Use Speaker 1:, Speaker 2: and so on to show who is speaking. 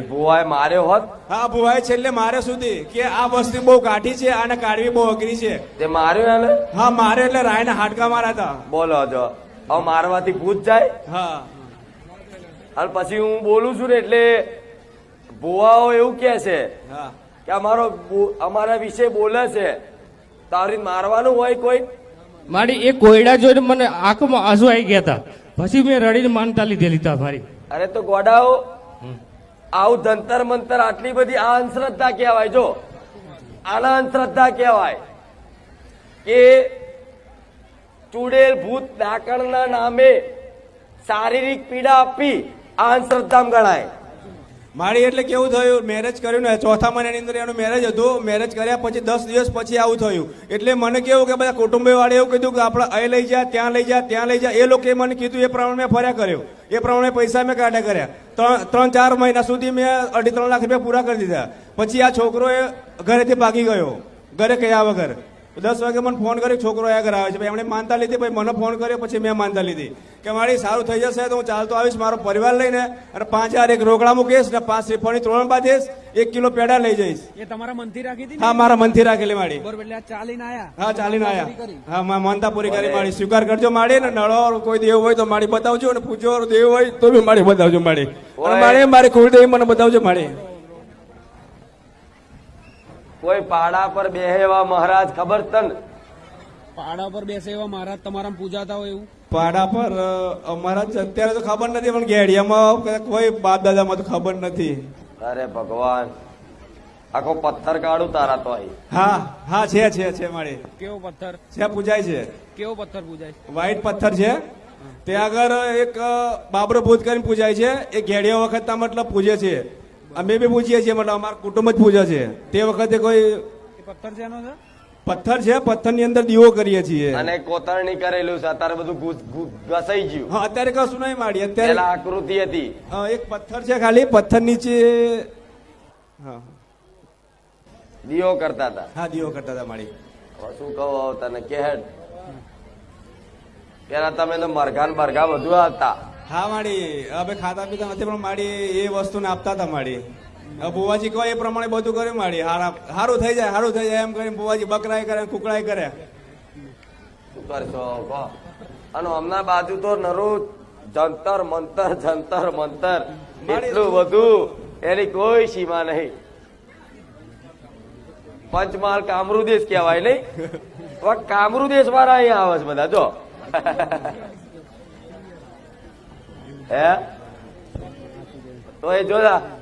Speaker 1: ભુવાએ માર્યો હોત?
Speaker 2: હા, ભુવાએ છેલ્લે મારે સુધી કે આ વસ્તુ બહુ કાઠી છે, આને કાઢવી બહુ અઘરી છે.
Speaker 1: તે માર્યો એને?
Speaker 2: હા, મારે એટલે રાયના હાડકા મારા હતા.
Speaker 1: બોલો જો, હવે મારવાથી ભૂત જાય?
Speaker 2: હા.
Speaker 1: અને પછી હું બોલું છું ને એટલે ભુવાઓ એવું કે છે
Speaker 2: હા,
Speaker 1: કે અમારા વિશે બોલે છે, તારી મારવાનું હોય કોઈ?
Speaker 3: મારી એ કોયડા જોઈને મને આંખમાં આંસુ આવી ગયા હતા. પછી મેં રડીને માનતા લીધેલી હતા મારી.
Speaker 1: અરે તો ગોડાઓ, આવું જંતર મંતર આટલી બધી આ અંધશ્રદ્ધા કહેવાય. જો આના અંધશ્રદ્ધા કહેવાય કે ચૂડેલ ભૂત ડાકણના નામે શારીરિક પીડા આપી આ અંધશ્રદ્ધામાં ગણાય.
Speaker 2: મારી એટલે કેવું થયું, મેરેજ કર્યું ને ચોથા મહિનાની અંદર એનું મેરેજ હતું. મેરેજ કર્યા પછી 10 દિવસ પછી આવું થયું. એટલે મને કેવું કે બધા કુટુંબી વાળે એવું કીધું કે આપણે અહીં લઈ જા, ત્યાં લઈ જા, ત્યાં લઈ જા. એ લોકોએ મને કીધું એ પ્રમાણે મેં ફર્યા કર્યો, એ પ્રમાણે પૈસા મેં કાઢ્યા કર્યા. 3-4 મહિના સુધી મેં 2.5-3 લાખ રૂપિયા પૂરા કરી દીધા. પછી આ છોકરો એ ઘરેથી ભાગી ગયો, ઘરે કયા વગર. 10 વાગે મને ફોન કર્યો, છોકરો આ ઘરે આવે છે. એમણે માનતા લીધી, પછી મને ફોન કર્યો, પછી મેં માનતા લીધી કે મારી સારું થઈ જશે તો હું ચાલતો આવીશ મારો પરિવાર લઈને, અને 5,000 એક રોકડા મૂકીશ ને 5 શ્રીફળની ત્રણ બાંધીશ, 1 કિલો પેડા લઈ જઈશ.
Speaker 4: એ તમારા મનથી રાખી હતી?
Speaker 2: હા, મારા મનથી રાખેલી માડી.
Speaker 4: બરોબર, એટલે આ ચાલીને આયા?
Speaker 2: હા, ચાલીને આયા. હા, માનતા પૂરી કરી માડી. સ્વીકાર કરજો માડી. ને નળો કોઈ દેવ હોય તો માડી બતાવજો, અને પૂજો દેવ હોય તો બી માડી બતાવજો માડી. અને માડી મારી કુળદેવી મને બતાવજો માડી.
Speaker 1: કોઈ પાડા પર બેહે એવા મહારાજ ખબર તન?
Speaker 4: પાડા પર બેસે એવા મહારાજ તમારા પૂજાતા હોય એવું?
Speaker 2: પાડા પર અમારા અત્યારે તો ખબર નથી, પણ ગેડિયામાં કોઈ બાપ દાદામાં તો ખબર નથી.
Speaker 1: અરે ભગવાન, આખો પથ્થર કાઢું તારા તો અહીં.
Speaker 2: હા હા, છે માડી.
Speaker 4: કેવો પથ્થર
Speaker 2: છે? પૂજાય છે.
Speaker 4: કેવો પથ્થર પૂજાય?
Speaker 2: વ્હાઈટ પથ્થર છે. ત્યાં આગળ એક બાબરો ભૂત કરીને પૂજાય છે. એ ઘેડિયા વખત મતલબ પૂજે છે. અમે બી પૂજીએ છીએ, મતલબ અમારા કુટુંબ જ પૂજે છે. તે વખતે કોઈ
Speaker 4: પથ્થર છે એનો?
Speaker 2: પથ્થર છે, પથ્થર ની અંદર દીવો કરીએ છીએ.
Speaker 1: અને કોતરણી કરેલું છે. અત્યારે બધું ઘસાઈ ગયું.
Speaker 2: હા, અત્યારે કશું નહીં માડી. અત્યારે
Speaker 1: પેલા આકૃતિ હતી.
Speaker 2: એક પથ્થર છે ખાલી, પથ્થર નીચે હા
Speaker 1: દીવો કરતા હતા.
Speaker 2: હા, દીવો કરતા હતા માડી.
Speaker 1: શું કહું તને કે પેલા તમે તો મરઘા ને બરઘા બધું આવતા.
Speaker 2: હા માડી, હવે ખાતા પીતા નથી, પણ માડી એ વસ્તુને આપતા હતા માડી. બુવાજી કહો એ પ્રમાણે બધું કર્યું માડી. સારું થઈ જાય, સારું થઈ જાય એમ કરીને બુવાજી બકરાય કરે, કુકડાય કરે.
Speaker 1: શું કરશો કહો? અને હમણાં બાજુ તો નરું જંતર મંતર એટલું બધું, એની કોઈ સીમા નહીં. પંચમહાલ કામરૂ દેશ કહેવાય નહીં? કામરૂ દેશ વાળા અહીંયા આવે છે બધા. જો હે તો એ જોતા